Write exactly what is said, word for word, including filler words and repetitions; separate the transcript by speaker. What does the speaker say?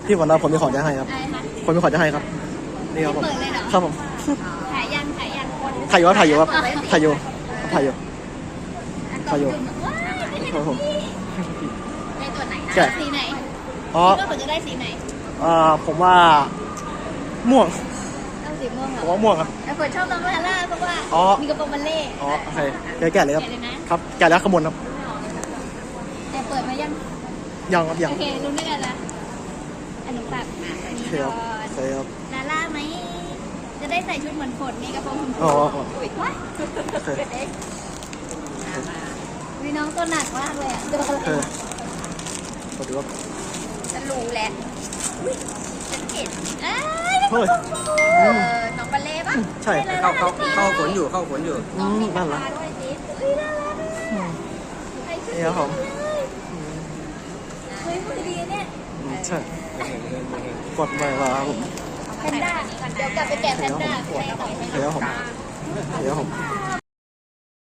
Speaker 1: พี่วันเราผมมีของจะให้ครับ
Speaker 2: อะไรคะ
Speaker 1: คนมีของจะให้ครับนี่ครับผม
Speaker 2: เปิดเลยเหรอ
Speaker 1: ครับผม
Speaker 2: ถ่ายยังถ่ายยังคน
Speaker 1: ถ่ายอยู่ครับถ่ายอยู่ครับถ่ายอยู่ถ่ายอยู่ ถ่ายอยู่
Speaker 2: ว้ายไม่
Speaker 1: ครับผม
Speaker 2: ในตัวไหนนะ
Speaker 1: ใช่
Speaker 2: สีไหน
Speaker 1: อ๋อ
Speaker 2: คิดว่าผมจะได้สีไหน
Speaker 1: อ่าผมว่าม่วง
Speaker 2: เอาสีม่วงเหร
Speaker 1: ผม
Speaker 2: อ
Speaker 1: ว่าม่วงครับ
Speaker 2: แต่ผมชอบน้องลาล่าเพราะว่า
Speaker 1: อ๋อ
Speaker 2: มีกระโปรงบัลเล่
Speaker 1: อ๋อโอเคเดี๋ยวแกะเลยครับ
Speaker 2: แกะเลยนะ
Speaker 1: ครับแกะแล้วขมวลครับ
Speaker 2: แต่เปิดมายัง
Speaker 1: ยังครับยัง
Speaker 2: โอเครู้ด้วยกันละอันนี้ฝากอัน
Speaker 1: โอ
Speaker 2: นี้
Speaker 1: เค
Speaker 2: ก่
Speaker 1: ค
Speaker 2: อ
Speaker 1: รับโอน เคครับ
Speaker 2: ลาล่าไหมจะได้ใส่ชุดเหมือนฝนนี่กระโปรงชมพู
Speaker 1: อ๋ออ๋อ
Speaker 2: อุ๊ยว้าย
Speaker 1: โอเค
Speaker 2: มีน้องตัวหนักมากเลยอ่ะตัว
Speaker 1: โอ
Speaker 2: อะไร
Speaker 1: เคขอดูครับ
Speaker 2: จะรู้แหละอุ๊ยฉันเห็นเอ้ย
Speaker 1: เฮ้ย
Speaker 2: เออน้องบัลเล่ปะ
Speaker 1: ใช่
Speaker 3: เข้าเข้าเข้าขนอยู่เข้าขนอยู่
Speaker 1: อืมนั่นแหละ
Speaker 2: ด้วยสิเฮ้ยน่ารักอะใครชื่อ
Speaker 1: นี่ครับผม
Speaker 2: เฮ้ยมือดีเนี่ย
Speaker 1: อืมใช่กดไปแล้วครับผม
Speaker 2: แพนด้าเดี๋ยวกลับไปแกะแพนด้าใส่ต่อไป
Speaker 1: เดี๋ยวผมเดี๋ยวผม